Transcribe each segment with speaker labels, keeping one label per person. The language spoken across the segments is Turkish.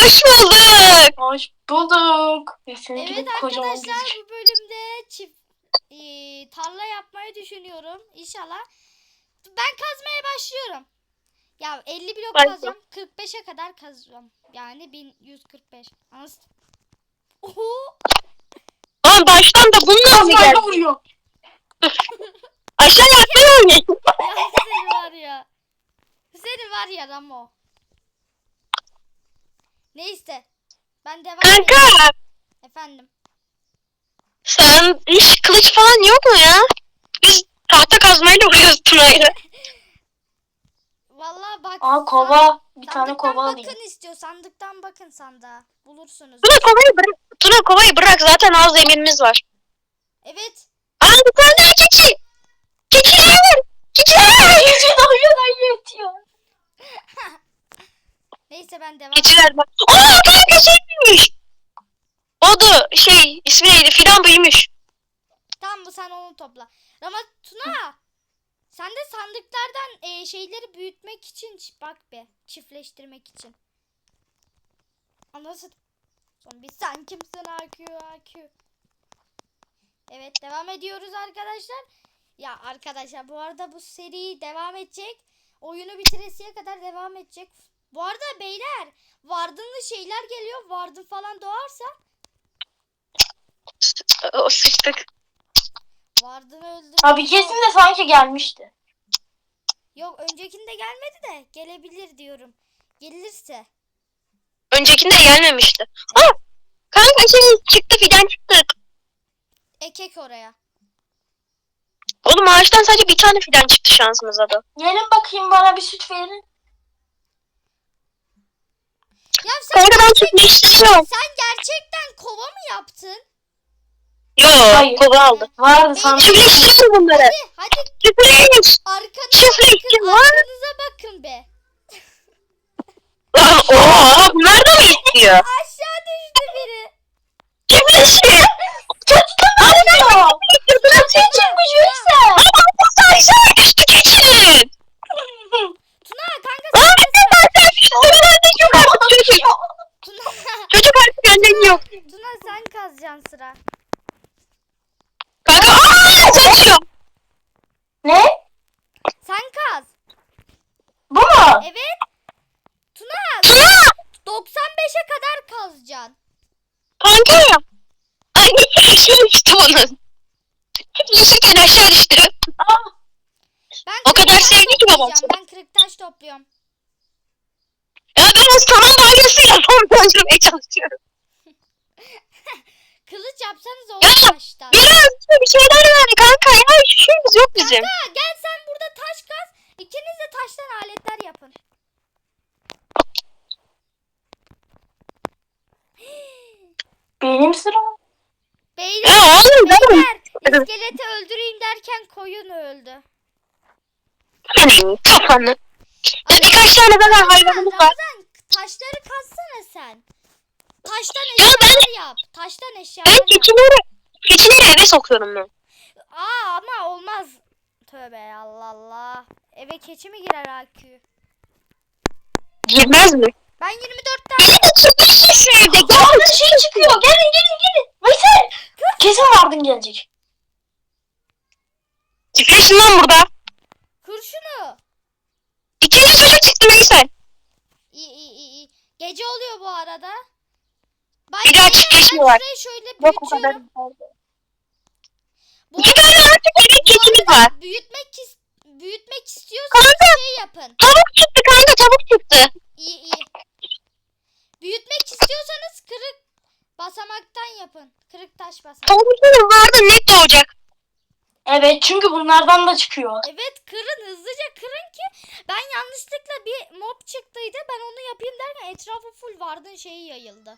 Speaker 1: Hoş bulduk.
Speaker 2: Hoş bulduk.
Speaker 3: Evet arkadaşlar bu bölümde tarla yapmayı düşünüyorum. İnşallah. Ben kazmaya başlıyorum. Ya 50 blok kazacağım. 45'e kadar kazacağım. Yani 1145. Oho.
Speaker 1: Ama baştan da bununla mı geldi?
Speaker 2: vuruyor.
Speaker 1: Aşağı atlayalım.
Speaker 3: Ya seni var ya. Seni var ya Ramo. Neyse. Ben devam edeyim.
Speaker 1: Kanka.
Speaker 3: Efendim.
Speaker 1: Sen hiç kılıç falan yok mu ya? Biz tahta kazmayla vuruyoruz Tuna'yla.
Speaker 3: Vallahi bak.
Speaker 2: Kova. Bir tane kova
Speaker 3: bakın
Speaker 2: alayım.
Speaker 3: istiyor. Sandıktan bakın sandığa. Bulursunuz.
Speaker 1: Tuna kovayı bırak. Zaten az demirimiz var.
Speaker 3: Evet.
Speaker 1: Aa bir tane daha keçi. Keçiler var. Keçiler.
Speaker 2: Yetiyor.
Speaker 3: Neyse ben devam.
Speaker 1: Keçiler var. Kanka şey büyümüş. O da ismi neydi? Fidan büyümüş.
Speaker 3: Tamam bu sen onu topla. Ama Tuna. Sen de sandıklardan şeyleri büyütmek için bak be. Çiftleştirmek için. Anlasın. Son bir sen kimsin AQ. Evet devam ediyoruz arkadaşlar. Ya arkadaşlar bu arada bu seri devam edecek. Oyunu bitiresiye kadar devam edecek. Bu arada beyler vardınlı şeyler geliyor. Vardın falan doğarsa.
Speaker 1: O sıçtık.
Speaker 3: Vardın öldü.
Speaker 2: Abi kesin de sanki gelmişti.
Speaker 3: Yok öncekinde gelmedi de gelebilir diyorum. Gelirse.
Speaker 1: Öncekinde gelmemişti. Kanka çıktı fidan çıktı.
Speaker 3: Ekek oraya.
Speaker 1: Oğlum ağaçtan sadece bir tane fidan çıktı şansımıza da.
Speaker 2: Gelin bakayım bana bir süt verin.
Speaker 3: Ya sen,
Speaker 1: Orada ben çiftleştiriyorum.
Speaker 3: sen gerçekten kova mı yaptın?
Speaker 1: Yo kova aldı.
Speaker 2: Vardı sanki.
Speaker 1: Çiftleştiriyorum bunları.
Speaker 3: Hadi
Speaker 1: Çiftleş.
Speaker 3: arkanıza bakın be.
Speaker 1: Oha bunlar da mı istiyor?
Speaker 3: Aşağı düştü biri.
Speaker 1: Çiftleşiyor.
Speaker 2: Sen çıkmış yoksa.
Speaker 1: Aşağı düştü keçinin.
Speaker 3: Tuna kanka Tuna,
Speaker 1: Çocuk artık önden yok.
Speaker 3: Tuna sen kazacaksın sıra.
Speaker 1: Kanka saçıyor.
Speaker 2: Ne?
Speaker 3: Sen kaz.
Speaker 2: Bu mu?
Speaker 3: Evet. Tuna
Speaker 1: Tuna.
Speaker 3: 95'e kadar kazacaksın.
Speaker 1: Kanka. Ay aşağı düştü onun. Düşürken aşağı düştü.
Speaker 3: Ben
Speaker 1: O kadar
Speaker 3: kırık taş
Speaker 1: sevdi ki babam
Speaker 3: toplayacağım. Ben kırık taş topluyorum.
Speaker 1: Ya ben o saman balyasıyla son öldürmeye çalışıyorum.
Speaker 3: Kılıç yapsanız
Speaker 1: Ya,
Speaker 3: olur taştan.
Speaker 1: Biraz bir şeyler yani kanka ya hiçbir şeyimiz yok bizim.
Speaker 3: Kanka gel sen burada taş kaz. İkiniz de taştan aletler yapın.
Speaker 2: Benim sıram.
Speaker 3: Beyler,
Speaker 1: Ya oğlum
Speaker 3: beyler iskeleti öldüreyim derken koyun öldü.
Speaker 1: senin kafanı. Ya birkaç tane daha hayvanımız var.
Speaker 3: Ramazan taşları kazsana sen. Taştan
Speaker 1: Ya
Speaker 3: eşyalar yap. Taştan eşyalar
Speaker 1: Ben
Speaker 3: yap.
Speaker 1: keçileri eve sokuyorum ben.
Speaker 3: Ama olmaz. Tövbe Allah Allah. Eve keçi mi girer AQ?
Speaker 1: Girmez mi?
Speaker 3: Ben 24 tane.
Speaker 1: Beni de çıkmışsın evde.
Speaker 2: Vardın şey çıkıyor. Gelin. Veysel. Kesin Vardın gelecek.
Speaker 1: Çıkıyorsun lan burada.
Speaker 3: Kır şunu.
Speaker 1: İkinci çocuk çıktı Veysel.
Speaker 3: İyi. Gece oluyor bu arada.
Speaker 1: Bir daha çiftleşmiyorlar.
Speaker 3: Ben şurayı şöyle
Speaker 1: Yok o kadar.
Speaker 3: büyütüyorum. Bu
Speaker 1: İki tane artık evin keçimiz var.
Speaker 3: büyütmek istiyorsanız
Speaker 1: Kanka.
Speaker 3: şey yapın.
Speaker 1: Tavuk çıktı kanka tavuk çıktı.
Speaker 3: İyi. Büyütmek istiyorsanız kırık basamaktan yapın. Kırık taş basamak.
Speaker 1: Tavukların vardı net doğacak.
Speaker 2: Evet çünkü bunlardan da çıkıyor.
Speaker 3: Evet kırın hızlıca kırın ki ben yanlışlıkla bir mob çıktıydı. Ben onu yapayım derken etrafı full vardın şeyi yayıldı.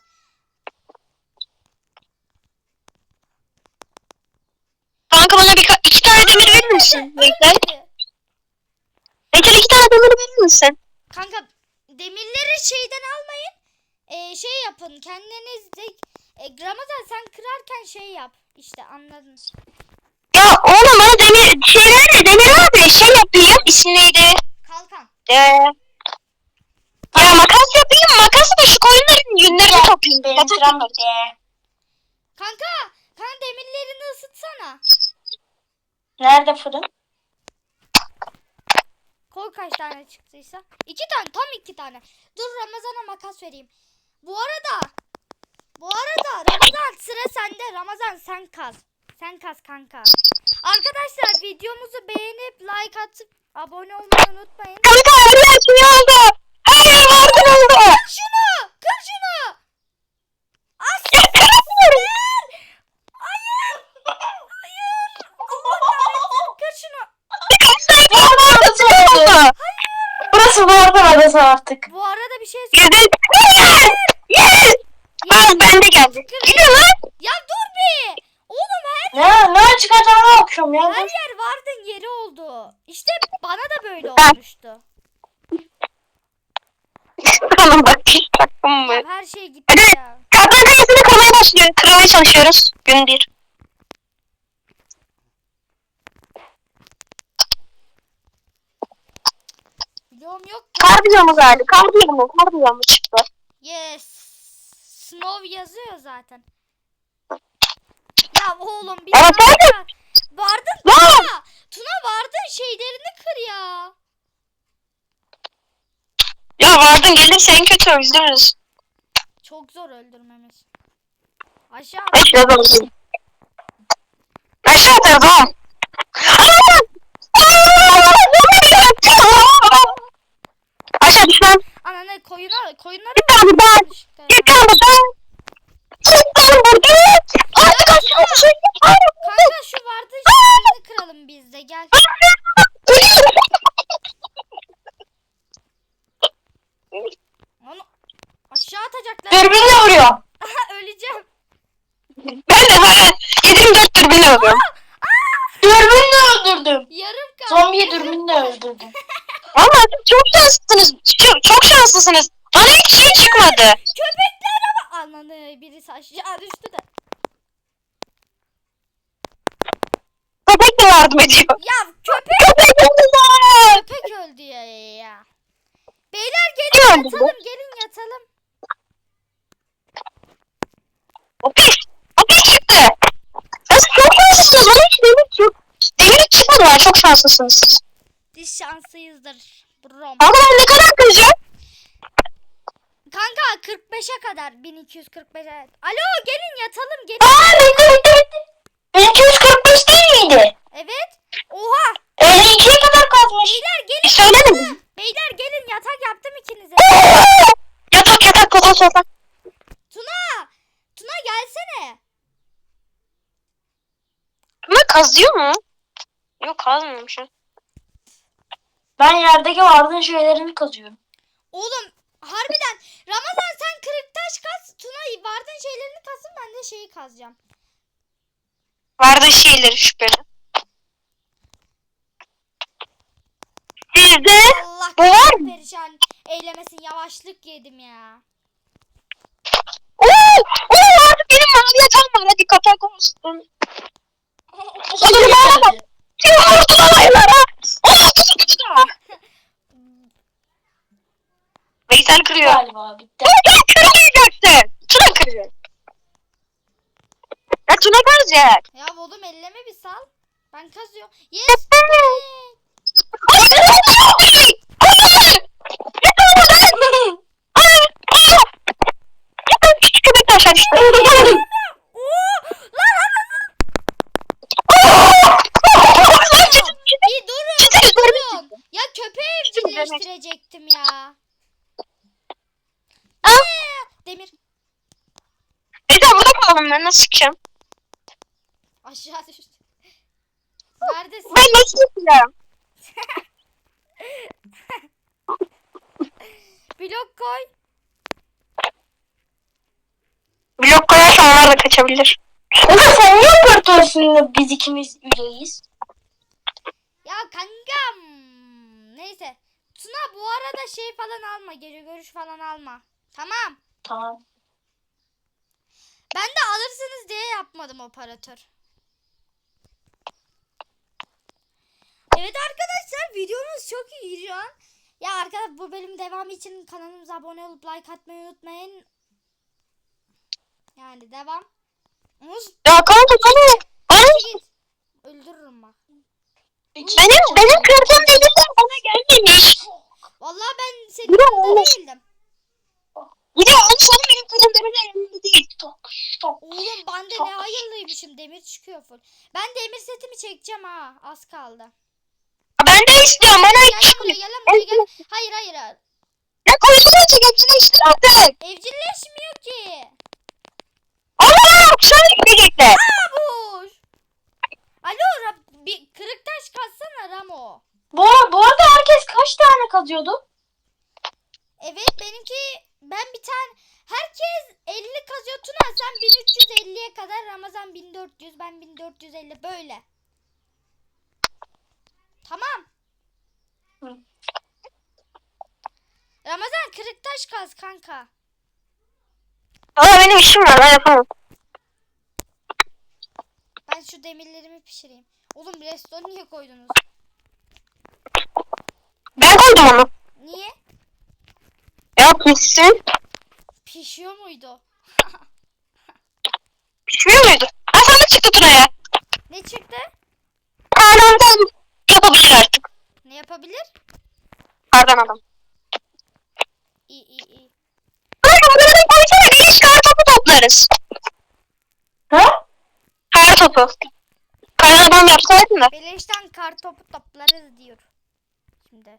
Speaker 1: Kanka bana iki tane demir verir misin? Veysel. Veysel iki tane demir verir misin?
Speaker 3: Kanka demirleri şeyden almayın. Şey yapın kendiniz de. Ramazan sen kırarken şey yap. İşte anladın.
Speaker 1: Ya oğlum bana demir abi şey yapayım. İsmi neydi?
Speaker 3: Kalkan.
Speaker 1: Ya makas yapayım. Makası da şu koyunların yünlerini toplayayım.
Speaker 2: Benim
Speaker 1: Yatak
Speaker 2: sıram
Speaker 1: yaparız.
Speaker 2: bitti.
Speaker 3: Kanka demirlerini ısıtsana.
Speaker 2: Nerede fırın?
Speaker 3: Koy kaç tane çıktıysa. 2 tane, tam 2 tane. Dur Ramazan'a makas vereyim. Bu arada Ramazan sıra sende. Ramazan sen kaz. Sen kaz kanka. Arkadaşlar videomuzu beğenip like atıp abone olmayı unutmayın.
Speaker 1: Kanka her yer şey oldu. Her yer vardır oldu.
Speaker 3: Kır şunu! Kır şunu!
Speaker 1: Ya kıramıyorum.
Speaker 3: Hayır! Hayır! Allah kahretsin! Kır şunu!
Speaker 2: Burası bu arada adası artık.
Speaker 3: Bu arada bir şey
Speaker 1: Güzel. Hayır. Yes. Aa, ben de geldim. Gidiyor lan.
Speaker 3: Ya dur bir! Oğlum her
Speaker 2: Ne çıkacağını bakıyorum ya.
Speaker 3: yer vardın yeri oldu. İşte bana da böyle olmuştu.
Speaker 1: Oğlum bak hiç taktım mı?
Speaker 3: Ya her şey gitti
Speaker 1: Hadi.
Speaker 3: ya.
Speaker 1: Kaptan kayasını kırmaya başlıyor. Kırmaya çalışıyoruz. Gün 1.
Speaker 3: Bloğum yok.
Speaker 1: Kar biyomu geldi. Kar biyomu çıktı.
Speaker 3: Yes. Snow yazıyor zaten. Ya oğlum bir
Speaker 1: Evet,
Speaker 3: dakika. Vardın
Speaker 1: Ne?
Speaker 3: Tuna. Tuna vardın şeylerini kır ya.
Speaker 1: Ya vardın gelirse en kötü öldürürüz.
Speaker 3: Çok zor öldürmemiz. Aşağı.
Speaker 1: Aşağı doğru. Aşağı atarız oğlum. Aşağı düş lan.
Speaker 3: Ana ne koyunları
Speaker 1: Bir tane daha. Bir tane daha. Çık lan buradan. Artık aşağı düşün.
Speaker 3: Kanka şu vardın şeylerini kıralım biz de gel. Onu aşağı atacaklar.
Speaker 2: Dürbünle vuruyor.
Speaker 3: Aha öleceğim.
Speaker 1: Ben de hala 24 türbini alıyorum.
Speaker 2: Dürbünle öldürdüm.
Speaker 3: Yarım kaldı.
Speaker 2: Zombiyi dürbünle öldürdüm.
Speaker 1: Ama çok şanslısınız. Çok şanslısınız. Bana hiç şey çıkmadı.
Speaker 3: Köpekler ama. Ananı birisi aşağı düştü de.
Speaker 1: Köpek de yardım ediyor.
Speaker 3: Ya köpek.
Speaker 1: Köpek öldüler.
Speaker 3: Köpek öldü ya. Beyler
Speaker 1: Kim
Speaker 3: gelin
Speaker 1: öldürdü?
Speaker 3: yatalım gelin yatalım.
Speaker 1: O pis çıktı. Siz çok şanslısınız. Bana hiç demir yok. Demir çıkmadı var. Çok şanslısınız siz.
Speaker 3: Biz şanslıyızdır. Brom.
Speaker 1: Ama ben ne kadar kıracağım?
Speaker 3: Kanka 45'e kadar 1245'e. Alo gelin yatalım gelin.
Speaker 2: Aa bekle. 1245 değil miydi?
Speaker 3: Evet. Oha.
Speaker 2: 52'ye kadar kazmış.
Speaker 3: Beyler gelin.
Speaker 1: Söylemedim.
Speaker 3: Beyler gelin yatak yaptım ikinize.
Speaker 1: Yatak.
Speaker 3: Tuna gelsene.
Speaker 1: Ama kazıyor mu? Yok kazmıyormuş.
Speaker 2: Ben yerdeki vardığın şeylerini kazıyorum.
Speaker 3: Oğlum harbiden Ramazan sen kırık taş kaz. Tuna vardığın şeylerini kazsın ben de şeyi kazacağım.
Speaker 1: Vardı şeyleri şüpheli. Sizde
Speaker 3: Allah
Speaker 1: bu var mı?
Speaker 3: perişan eylemesin yavaşlık yedim ya.
Speaker 1: Oo artık benim mavi yatağım var. Hadi kapak olsun. Yumurtalaylara. Veysel kırıyor.
Speaker 2: Galiba bitti.
Speaker 1: Tuna kırmayacaksın. Tuna kırıyor. Ya Tuna kıracak.
Speaker 3: Ya oğlum elleme bir sal. Ben kazıyorum. Yes.
Speaker 1: Küçük köpek de aşağı düştü.
Speaker 3: Bir durun. Ya köpeği evcilleştirecektim ya. Demir.
Speaker 1: Neyse burada kalalım ben nasıl çıkacağım?
Speaker 3: Aşağı düştü. Neredesin?
Speaker 1: Ben nasıl çıkacağım?
Speaker 3: Blok koy.
Speaker 1: Blok koyarsan onlar da kaçabilir.
Speaker 2: Ulan sen niye operatörüsün biz ikimiz üyeyiz?
Speaker 3: Ya kankam. Neyse. Tuna bu arada şey falan alma. Gece görüş falan alma. Tamam.
Speaker 2: Tamam.
Speaker 3: Ben de alırsınız diye yapmadım operatör. Evet arkadaşlar videomuz çok iyi şu an. Ya arkadaşlar bu bölüm devamı için kanalımıza abone olup like atmayı unutmayın. Yani devam. Muz
Speaker 1: Ya kanka bana
Speaker 3: git. Öldürürüm bak.
Speaker 1: benim kırdığım demirler bana gelmemiş.
Speaker 3: Vallahi ben senin
Speaker 1: Bir de
Speaker 3: yanında
Speaker 1: olmuş.
Speaker 3: değildim.
Speaker 1: Bir de onu sana benim kırdığım demirler yanımda değil.
Speaker 3: Oğlum ben de ne hayırlıymışım. Demir çıkıyor full. Ben demir setimi çekeceğim ha. Az kaldı.
Speaker 1: Ben de istiyorum bana
Speaker 3: Gel
Speaker 1: hiç
Speaker 3: lan
Speaker 1: çıkmıyor.
Speaker 3: buraya, gel lan buraya, gel. Hayır hayır.
Speaker 1: Ya koysana çek hepsini işte artık.
Speaker 3: Evcilleşmiyor ki.
Speaker 1: Allah'ım şöyle gidecekler.
Speaker 3: Boş. Alo bir kırık taş katsana Ramo.
Speaker 2: Bu arada herkes kaç tane kazıyordu?
Speaker 3: Evet benimki ben bir tane herkes 50 kazıyor Tuna sen 1350'ye kadar Ramazan 1400 ben 1450 böyle. Tamam.
Speaker 2: Hı.
Speaker 3: Ramazan kırık taş kaz kanka.
Speaker 1: Ama benim işim var ben yapamam.
Speaker 3: Ben şu demirlerimi pişireyim. Oğlum redstone niye koydunuz?
Speaker 1: Ben koydum onu.
Speaker 3: Niye?
Speaker 1: Ya pişsin.
Speaker 3: Pişiyor muydu?
Speaker 1: Pişmiyor muydu? Ha sana çıktı Tuna'ya.
Speaker 3: Ne çıktı?
Speaker 1: Kardan yapabilir artık.
Speaker 3: Ne yapabilir?
Speaker 1: Kardan adam.
Speaker 3: İyi.
Speaker 1: Kanka bunları koysana bir iş kar topu toplarız.
Speaker 2: Ha?
Speaker 1: Kar topu. Kardan adam yapsaydın da.
Speaker 3: Beleşten kar topu toplarız diyor. Şimdi.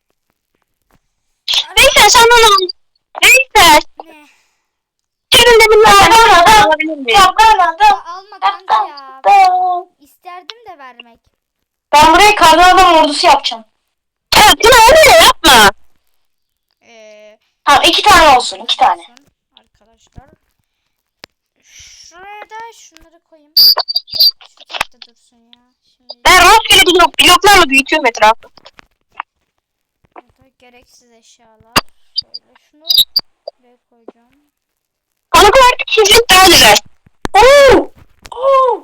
Speaker 1: Neyse sen onu al. Neyse.
Speaker 3: Ne?
Speaker 1: Gelin demin ben alabilir miyim?
Speaker 3: Ya alma kanka ya. İsterdim de vermek.
Speaker 2: Ben buraya kardan adam ordusu yapacağım.
Speaker 1: Evet Tuna öyle yapma.
Speaker 2: Tamam 2 tane olsun 2 tane.
Speaker 3: Olsun arkadaşlar. Şuraya da şunları koyayım. Şu tek de dursun ya. Şimdi
Speaker 1: Ben rastgele bloklarla büyütüyorum etrafı.
Speaker 3: burada gereksiz eşyalar. Şöyle şunu buraya koyacağım.
Speaker 1: Bana bu artık çiftlik daha güzel.
Speaker 2: Oo! Oo!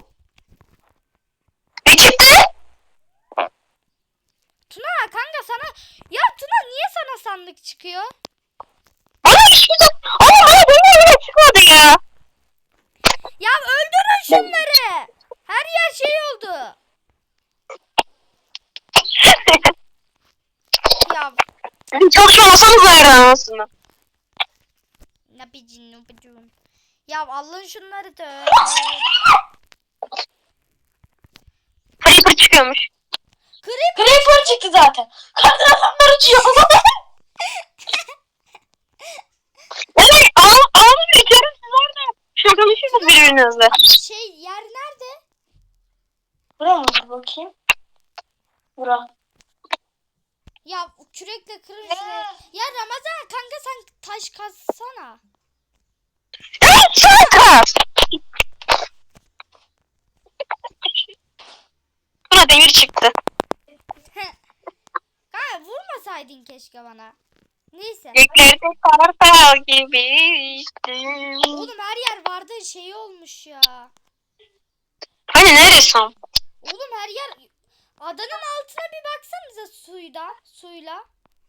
Speaker 1: Ne çıktı?
Speaker 3: Tuna kanka sana ya Tuna niye sana sandık çıkıyor?
Speaker 1: Bana hiçbir şey... Ama bana benim öyle çıkmadı ya.
Speaker 3: Ya öldürün şunları. Her yer şey oldu. Ya
Speaker 1: Çalışmasanız da yerden aslında.
Speaker 3: ne yapacağım? Ya alın şunları da.
Speaker 1: Creeper çıkıyormuş.
Speaker 2: Creeper çıktı zaten. Kardan adamlar uçuyor.
Speaker 1: Evet ağzı büyütüyorum siz orada. Şuna konuşuyorsunuz birbirinizle.
Speaker 3: Şey yer nerede?
Speaker 2: Buraya mı? Dur bakayım. Bura.
Speaker 3: Ya kürekle kırın şurayı. Ya Ramazan kanka sen taş kazsana.
Speaker 1: Evet sen kaz. Buna demir çıktı.
Speaker 3: Kanka vurmasaydın keşke bana. Neyse.
Speaker 1: Göklerde kartal gibi içtim.
Speaker 3: Oğlum her yer vardı şey olmuş ya.
Speaker 1: Hani neresi o?
Speaker 3: Oğlum her yer adanın altına bir baksanıza suyla.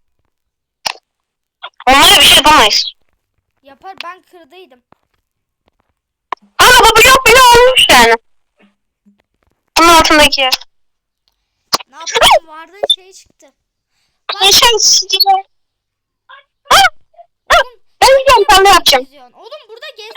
Speaker 1: Onlara bir şey yapamayız.
Speaker 3: Yapar ben kırdıydım.
Speaker 1: Ama bu blok bile olmuş yani. Bunun altındaki yer.
Speaker 3: Ne yapalım vardı şey çıktı.
Speaker 1: Yaşar sizce.
Speaker 3: Oğlum
Speaker 1: Ben gidiyorum sen de yapacağım.
Speaker 3: geziyorsun. Oğlum burada gez.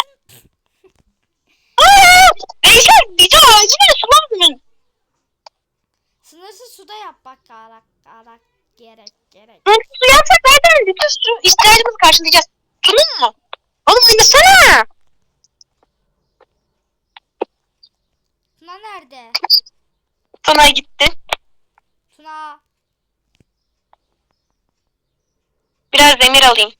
Speaker 1: Yaşar bir de ağacına sulanmıyor.
Speaker 3: Sınırsız suda yap bak arak gerek.
Speaker 1: Su yapsak zaten bütün su ihtiyacımızı karşılayacağız. Tamam mı? Oğlum oynasana.
Speaker 3: Tuna nerede?
Speaker 1: Tuna gitti.
Speaker 3: Tuna.
Speaker 1: Biraz demir alayım.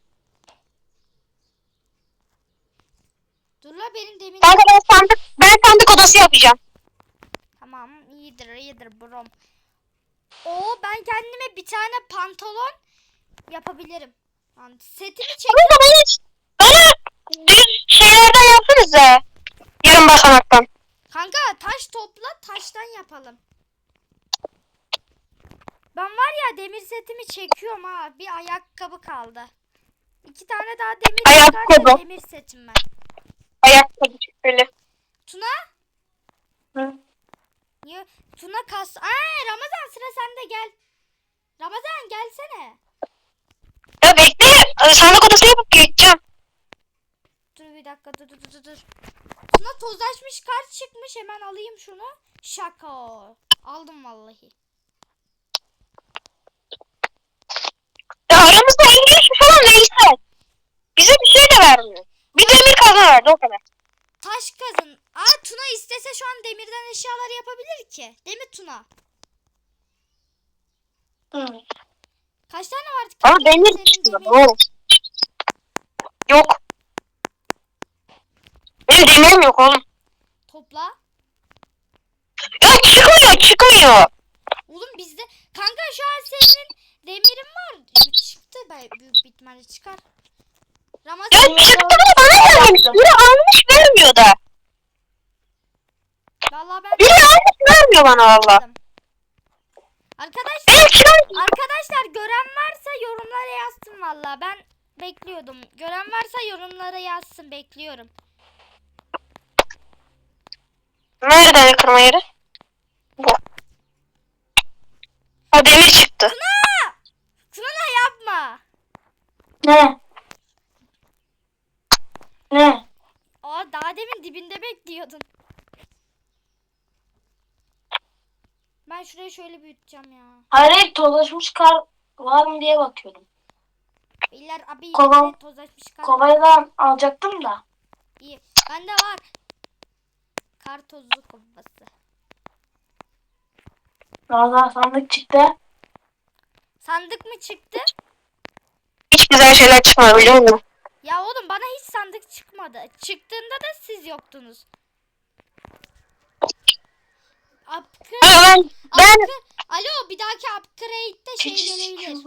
Speaker 3: Dur la benim demin.
Speaker 1: Kanka ben sandık odası yapacağım.
Speaker 3: Tamam iyidir brom. Oo ben kendime bir tane pantolon yapabilirim. Yani setimi çek.
Speaker 1: Kanka bana düz şeylerden yapsanıza. Yarım basamaktan.
Speaker 3: Kanka taş topla taştan yapalım. Ben var ya demir setimi çekiyorum ha. Bir ayakkabı kaldı. 2 tane daha demir
Speaker 1: Ayakkabı.
Speaker 3: çıkarsa demir setim ben.
Speaker 1: ayakkabı şöyle.
Speaker 3: Tuna?
Speaker 2: Hı.
Speaker 3: Niye? Tuna kas... Ramazan sıra sende gel. Ramazan gelsene.
Speaker 1: Ya bekle. Sandık odası yapıp geçeceğim.
Speaker 3: Dur bir dakika dur. Tuna tozlaşmış kart çıkmış, hemen alayım şunu. Şaka. Aldım vallahi.
Speaker 1: Ya aramızda 53 falan neyse. Bize bir şey de vermiyor. Bir demir kazma verdi o kadar.
Speaker 3: Taş kazın. Tuna istese şu an demirden eşyalar yapabilir ki. Değil mi Tuna?
Speaker 2: Hı.
Speaker 3: Kaç tane vardı?
Speaker 1: Ama
Speaker 3: Senin
Speaker 1: demir çıkıyor.
Speaker 3: demirin?
Speaker 1: Doğru. Yok. Benim demirim yok oğlum.
Speaker 3: Topla.
Speaker 1: Ya çıkmıyor.
Speaker 3: Oğlum bizde... Kanka şu an senin demirin var. Çıktı. Büyük bir ihtimalle çıkar. Ramazan...
Speaker 1: Ya çıktı da bana gelmemiş. Biri almış vermiyor da.
Speaker 3: Vallahi ben...
Speaker 1: Biri almış vermiyor bana valla.
Speaker 3: Arkadaşlar...
Speaker 1: Benim çıkan...
Speaker 3: Arkadaşlar gören varsa yorumlara yazsın valla. Ben bekliyordum. Gören varsa yorumlara yazsın. Bekliyorum.
Speaker 1: Nereden kırma yeri? Bu. O demir çıktı.
Speaker 3: Tuna yapma.
Speaker 2: Ne? Ne?
Speaker 3: Daha demin dibinde bekliyordun. Ben şurayı şöyle büyüteceğim ya.
Speaker 2: Hayır, tozlaşmış kar var mı diye bakıyordum.
Speaker 3: Beyler abi
Speaker 2: Kova-
Speaker 3: yine tozlaşmış kar.
Speaker 2: Kovayla alacaktım da.
Speaker 3: İyi. Bende var. Kar tozlu kovası.
Speaker 2: Ramazan sandık çıktı.
Speaker 3: Sandık mı çıktı?
Speaker 1: Hiç güzel şeyler çıkmıyor biliyor musun?
Speaker 3: Ya oğlum bana hiç sandık çıkmadı. Çıktığında da siz yoktunuz.
Speaker 1: Ben
Speaker 3: Alo, bir dahaki upgrade'de şey gelebilir.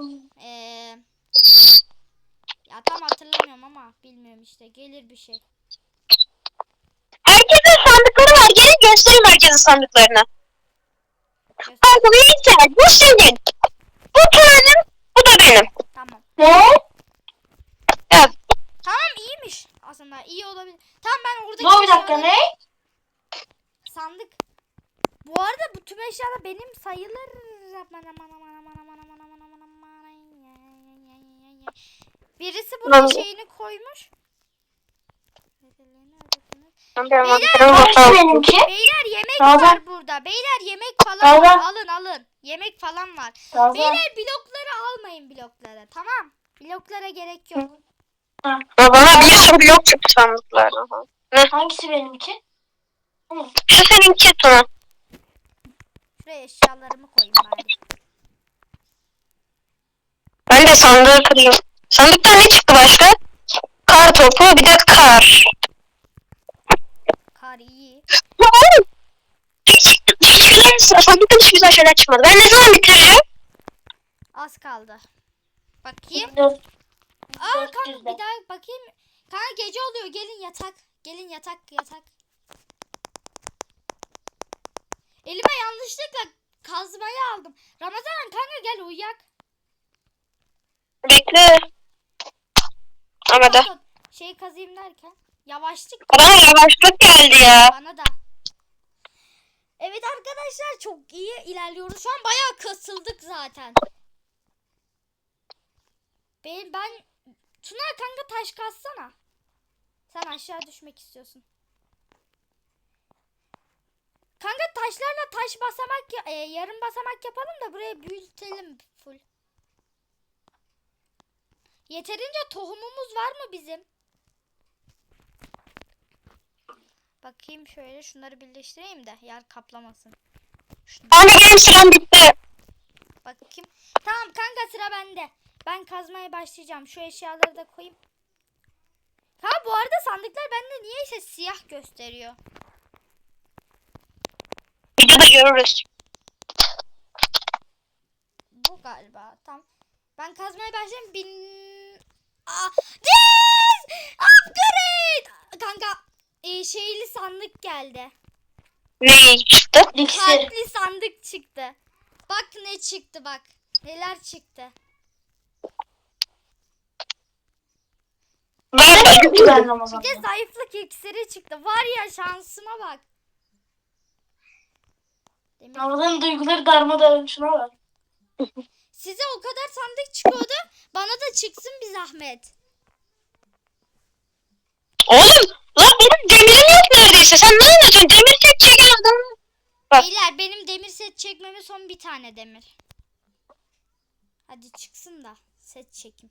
Speaker 3: Ya tam hatırlamıyorum ama bilmiyorum işte, gelir bir şey.
Speaker 1: herkesin sandıkları var. Gelin göstereyim herkesin sandıklarını. Bak bu benim, bu senin. Bu benim, bu da benim.
Speaker 3: Tamam.
Speaker 2: Ne?
Speaker 1: Evet.
Speaker 3: Tamam, iyiymiş aslında, iyi olabilir. Tamam, ben oradaki
Speaker 2: Dur bir dakika,
Speaker 3: eşyaları-
Speaker 2: ne?
Speaker 3: Sandık. Bu arada bu tüm eşyalar benim sayılır. Birisi bunun şeyini koymuş.
Speaker 2: Hangisi benimki?
Speaker 3: Beyler yemek
Speaker 2: Ramazan.
Speaker 3: var burada. Beyler yemek falan var. Alın. Yemek falan var.
Speaker 2: Ramazan.
Speaker 3: Beyler blokları almayın, bloklara. Tamam. Bloklara gerek yok.
Speaker 2: Ha.
Speaker 1: Bana bir sürü blok çıktı sandıklardan.
Speaker 2: Hangisi benimki?
Speaker 1: Şu seninki Tuna.
Speaker 3: Şuraya eşyalarımı koyayım bari.
Speaker 1: Ben de sandığı kırayım. Sandıktan ne çıktı başka? Kar topu, bir de kar.
Speaker 3: Kar iyi.
Speaker 1: Sandıktan hiç güzel şeyler çıkmadı. Ben ne zaman bitireceğim?
Speaker 3: Az kaldı. Bakayım.
Speaker 2: 400.
Speaker 3: Kanka bir daha bakayım. Kanka gece oluyor. Gelin yatak. Gelin yatak. Elime yanlışlıkla kazmayı aldım. Ramazan kanka gel uyuyak.
Speaker 1: Bekle. Ama da.
Speaker 3: Şey kazayım derken. Yavaşlık.
Speaker 1: Bana yavaşlık geldi ya.
Speaker 3: Bana da. Evet arkadaşlar, çok iyi ilerliyoruz. Şu an bayağı kasıldık zaten. Ben Tuna kanka taş kazsana. Sen aşağı düşmek istiyorsun. Kanka taşlarla taş basamak yarım basamak yapalım da buraya büyütelim full. Yeterince tohumumuz var mı bizim? Bakayım şöyle, şunları birleştireyim de yer kaplamasın.
Speaker 1: Anne benim sıram bitti.
Speaker 3: Bakayım. Tamam kanka, sıra bende. Ben kazmaya başlayacağım. Şu eşyaları da koyayım. Ha bu arada sandıklar bende niyeyse siyah gösteriyor.
Speaker 1: Videoda görürüz.
Speaker 3: Bu galiba. Tamam. Ben kazmaya başlayayım. Yes! Upgrade! Kanka şeyli sandık geldi.
Speaker 1: Ne çıktı?
Speaker 2: İksir.
Speaker 3: Kalpli sandık çıktı. Bak ne çıktı bak. Neler çıktı.
Speaker 2: Ben
Speaker 3: Bir
Speaker 2: Ramazan'da.
Speaker 3: de zayıflık iksiri çıktı. Var ya şansıma bak. Demir.
Speaker 2: Ramazan'ın duyguları darmadağın, şuna bak.
Speaker 3: Size o kadar sandık çıkıyordu. Bana da çıksın bir zahmet.
Speaker 1: Oğlum lan benim demirim yok neredeyse. Sen ne anlatıyorsun? Demir tek çeken adam. Bak.
Speaker 3: Beyler benim demir set çekmeme son bir tane demir. Hadi çıksın da set çekim.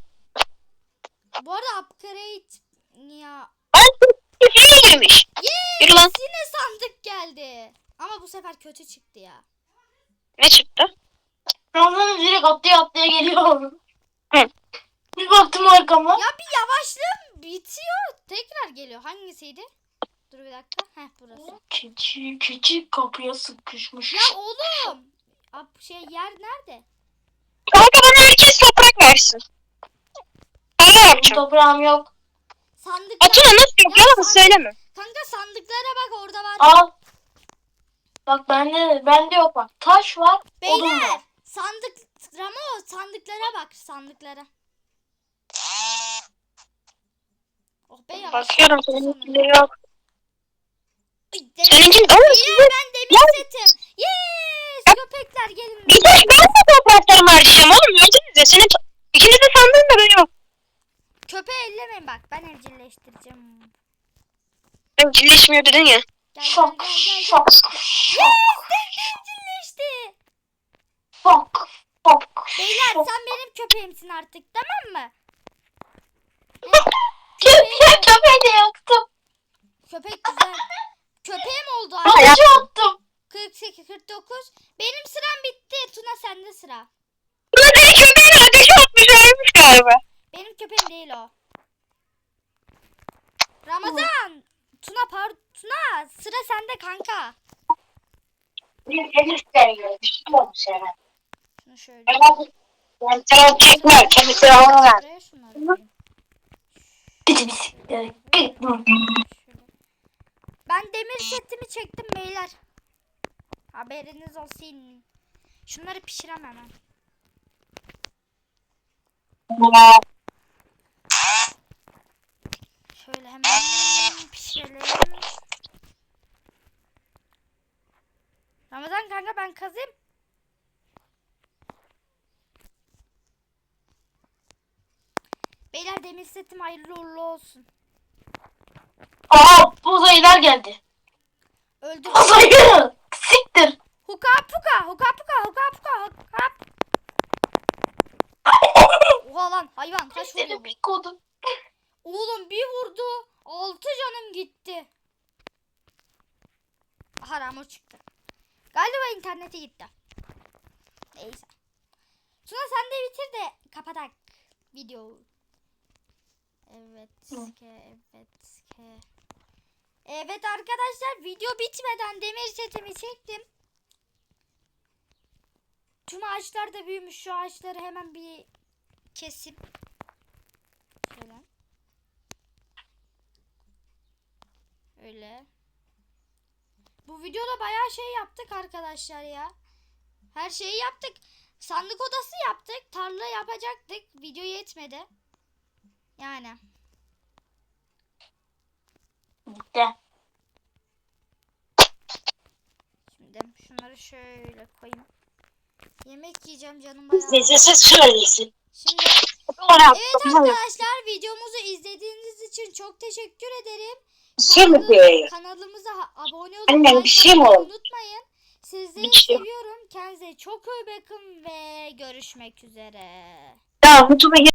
Speaker 3: Bu arada upgrade ya.
Speaker 1: Köpeğe girmiş. Yürü lan.
Speaker 3: Yine sandık geldi. Ama bu sefer kötü çıktı ya.
Speaker 1: Ne çıktı?
Speaker 2: Ramazan'ın direkt atlaya atlaya geliyor.
Speaker 1: Hı.
Speaker 2: Bir baktım arkama.
Speaker 3: Ya bir yavaşlığım bitiyor. Tekrar geliyor. Hangisiydi? Dur bir dakika. Heh burası.
Speaker 2: Küçük kapıya sıkışmış.
Speaker 3: Ya oğlum. Yer nerede?
Speaker 1: Kanka bana herkes toprak versin. Ben ne yapacağım?
Speaker 2: Toprağım yok.
Speaker 3: Sandıklar.
Speaker 1: Atına nasıl yok?
Speaker 3: Ya
Speaker 1: Yalan söyleme.
Speaker 3: Kanka sandıklara bak orada var.
Speaker 2: Al. Bak bende yok bak. Taş var, odun
Speaker 3: Beyler
Speaker 2: var.
Speaker 3: sandıklara bak sandıklara. Oh be yavaş.
Speaker 1: Bakıyorum seninkileri yok.
Speaker 3: Ay, demir-
Speaker 1: Seninki oğlum
Speaker 3: Beyler
Speaker 1: size.
Speaker 3: ben demir setim. Yes köpekler gelin.
Speaker 1: Bir de ben de topraklarımı harcayacağım oğlum. Gördünüz ya. Senin ikiniz de sandığın da ben yok.
Speaker 3: Köpeği ellemeyin bak ben evcilleştireceğim.
Speaker 1: Ben birleşmiyor dedin ya.
Speaker 3: Gel
Speaker 2: Şok,
Speaker 3: gel gel gel.
Speaker 2: şok,
Speaker 3: Yes
Speaker 2: şok,
Speaker 3: evcilleşti.
Speaker 2: şok, şok.
Speaker 3: Beyler
Speaker 2: şok.
Speaker 3: sen benim köpeğimsin artık tamam mı?
Speaker 2: Köpeği de yaktım.
Speaker 3: Köpek güzel. Köpeğim oldu
Speaker 1: Hayır.
Speaker 3: artık.
Speaker 2: Ateşe attım.
Speaker 3: 48 49. Benim sıram bitti. Tuna sende sıra.
Speaker 1: Buna beni köpeğine ateşe atmış ölmüş galiba.
Speaker 3: Benim köpeğim değil o. Ramazan. Tuna sıra sende kanka.
Speaker 2: Bir isterim. Bir şey olmuş herhalde.
Speaker 3: Şunu şöyle.
Speaker 1: Ben sana çekme. Kendi silahını ver.
Speaker 3: Şuraya şunları koyayım. Şöyle. Ben demir setimi çektim beyler. Haberiniz olsun. Şunları pişiremem hemen. Şöyle hemen pişirelim. Ramazan kanka ben kazayım. Beyler demir setim hayırlı uğurlu olsun.
Speaker 2: Aa, uzaylılar geldi.
Speaker 3: Öldür.
Speaker 2: Uzaylı. Siktir.
Speaker 3: Huka puka huka puka huka puka huka. Oha lan hayvan kaç vuruyor
Speaker 2: Seni
Speaker 3: bu?
Speaker 2: bir kodum.
Speaker 3: Oğlum bir vurdu. 6 canım gitti. Haram o çıktı. Galiba internete gitti. Neyse. Tuna sen de bitir de kapatak videoyu. Evet ki. Evet arkadaşlar video bitmeden demir setimi çektim. Tüm ağaçlar da büyümüş. Şu ağaçları hemen bir kesip şöyle. Öyle. Bu videoda bayağı şey yaptık arkadaşlar ya. Her şeyi yaptık. Sandık odası yaptık. Tarla yapacaktık. Video yetmedi. Yani.
Speaker 2: Bitti.
Speaker 3: Şimdi şunları şöyle koyayım. Yemek yiyeceğim canım bayağı.
Speaker 1: Siz söylesin.
Speaker 3: Şimdi evet arkadaşlar videomuzu izlediğiniz için çok teşekkür ederim.
Speaker 1: Şimdi.
Speaker 3: Kanalımıza abone olup
Speaker 1: Annem, bir şey mi
Speaker 3: like atmayı
Speaker 1: oldu?
Speaker 3: unutmayın. Sizleri
Speaker 1: Bir şey.
Speaker 3: seviyorum. Kendinize çok iyi bakın ve görüşmek üzere.
Speaker 1: Tamam YouTube'a